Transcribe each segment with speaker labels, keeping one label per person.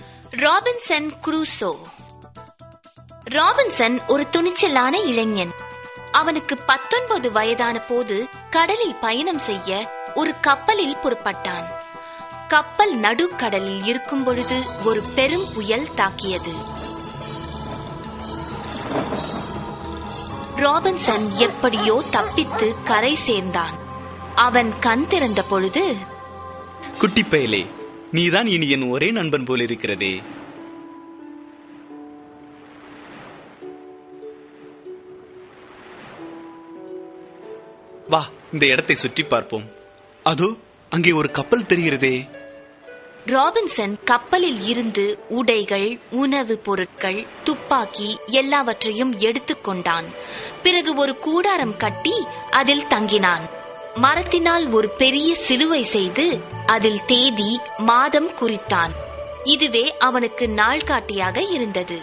Speaker 1: Robinson Crusoe. Robinson ஒரு துணிச்சலான இளைஞன். அவனுக்கு 19 வயதான போது கடலில் பயணம் செய்ய ஒரு கப்பலில் புறப்பட்டான். கப்பல் நடுக்கடலில் இருக்கும் பொழுது ஒரு பெரும் புயல் தாக்கியது. ராபின்சன் எப்படியோ தப்பித்து கரை சேர்ந்தான். அவன் கண் திறந்த பொழுது,
Speaker 2: குட்டி பயலே, நீதான் இனி என் ஒரே நண்பன் போல் இருக்கிறதே. வா, இந்த இடத்தை சுற்றி பார்ப்போம். அதோ அங்கே ஒரு கப்பல் தெரிகிறதே.
Speaker 1: ராபின்சன் கப்பலில் இருந்து உடைகள், உணவு பொருட்கள், துப்பாக்கி எல்லாவற்றையும் எடுத்துக்கொண்டான். பிறகு ஒரு கூடாரம் கட்டி அதில் தங்கினான். மரத்தினால் ஒரு பெரிய சிலுவை செய்து அதில் தேதி, மாதம் குறித்தான். இதுவே அவனுக்கு நாள்காட்டியாக இருந்தது.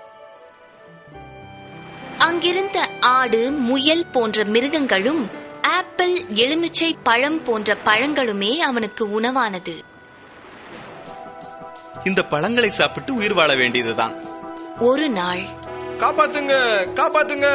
Speaker 1: அங்கிருந்த ஆடு, முயல் போன்ற மிருகங்களும் ஆப்பிள், எலுமிச்சை பழம் போன்ற பழங்களுமே அவனுக்கு உணவானது.
Speaker 2: இந்த பழங்களை சாப்பிட்டு உயிர் வாழ வேண்டியதுதான்.
Speaker 1: ஒரு நாள்,
Speaker 3: காப்பாத்துங்க, காப்பாத்துங்க,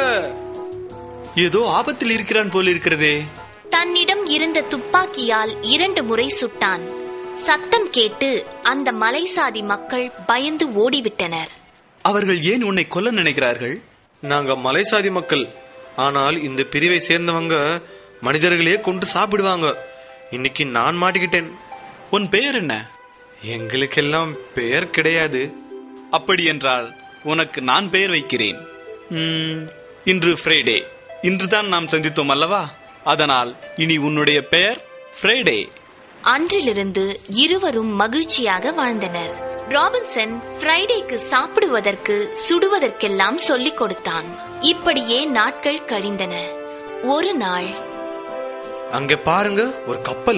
Speaker 2: ஏதோ ஆபத்தில் இருக்கிறான் போல் இருக்கிறதே.
Speaker 1: தன்னிடம் இருந்த துப்பாக்கியால் 2 முறை சுட்டான். சத்தம் கேட்டு அந்த மலைசாதி மக்கள் பயந்து ஓடிவிட்டனர்.
Speaker 2: அவர்கள் ஏன் உன்னை கொல்ல நினைக்கிறார்கள்?
Speaker 3: நாங்க மலைசாதி மக்கள். ஆனால் இந்த பிரிவை சேர்ந்தவங்க மனிதர்களே கொண்டு சாப்பிடுவாங்க. இன்னைக்கு நான் மாட்டிக்கிட்டேன்.
Speaker 2: உன் பெயர் என்ன?
Speaker 3: எங்களுக்கெல்லாம் பெயர் கிடையாது.
Speaker 2: அப்படி என்றால் உனக்கு நான் பெயர் வைக்கிறேன். இன்று ஃப்ரைடே. இன்றுதான் நாம் சந்தித்தோம் அல்லவா? அதனால் இனி உன்னுடைய பெயர் ஃப்ரைடே.
Speaker 1: அன்றிலிருந்து இருவரும் மகிழ்ச்சியாக வாழ்ந்தனர். ராபின்சன் ஃப்ரைடேக்கு சாப்பிடுவதற்கு, சுடுவதற்கெல்லாம் சொல்லிக் கொடுத்தான். இப்படியே நாட்கள் கழிந்தன. ஒரு நாள்,
Speaker 3: அங்க பாருங்க, ஒரு கப்பல்.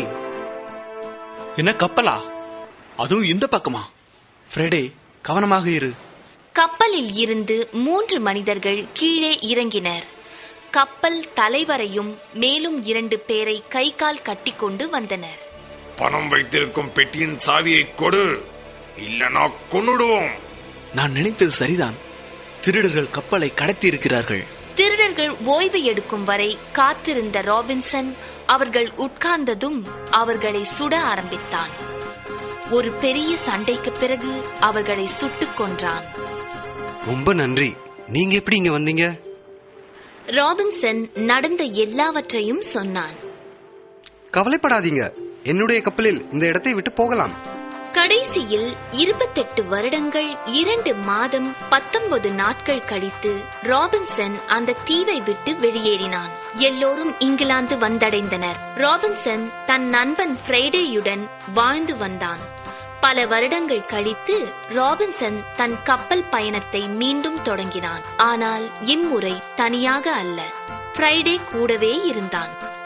Speaker 2: என்ன கப்பலா? அதுவும் இந்த பக்கமா? ஃப்ரைடே, கவனமாக இரு.
Speaker 1: கப்பலில் இருந்து 3 மனிதர்கள் கீழே இறங்கினர். கப்பல் தலைவரையும் மேலும் 2 பேரை கை கால் கட்டிக்கொண்டு வந்தனர்.
Speaker 4: பணம் வைத்திருக்கும் பெட்டியின் சாவியை கொடு, இல்லனா கொன்னுடுவோம்.
Speaker 2: நான் நினைத்தது சரிதான். திருடர்கள் கப்பலை கடத்தி இருக்கிறார்கள்.
Speaker 1: திருடர்கள் ஓய்வு எடுக்கும் வரை காத்திருந்த ராபின்சன் அவர்கள் உட்கார்ந்ததும் அவர்களை சுட ஆரம்பித்தான். ஒரு பெரிய சண்டைக்கு பிறகு அவர்களை சுட்டுக் கொன்றான்.
Speaker 5: ரொம்ப நன்றி. நீங்க எப்படி இங்க வந்தீங்க?
Speaker 1: ராபின்சன் நடந்த எல்லாவற்றையும் சொன்னான்.
Speaker 5: கவலைப்படாதீங்க, என்னுடைய கப்பலில் இந்த இடத்தை விட்டு போகலாம்.
Speaker 1: கடைசியில் 28 வருடங்கள் 2 மாதம் 19 நாட்கள் கழித்து ராபின்சன் அந்த தீவை விட்டு வெளியேறினான். எல்லோரும் இங்கிலாந்து வந்தடைந்தனர். ராபின்சன் தன் நண்பன் ஃப்ரைடேயுடன் வாழ்ந்து வந்தான். பல வருடங்கள் கழித்து ராபின்சன் தன் கப்பல் பயணத்தை மீண்டும் தொடங்கினான். ஆனால் இம்முறை தனியாக அல்ல, ஃப்ரைடே கூடவே இருந்தான்.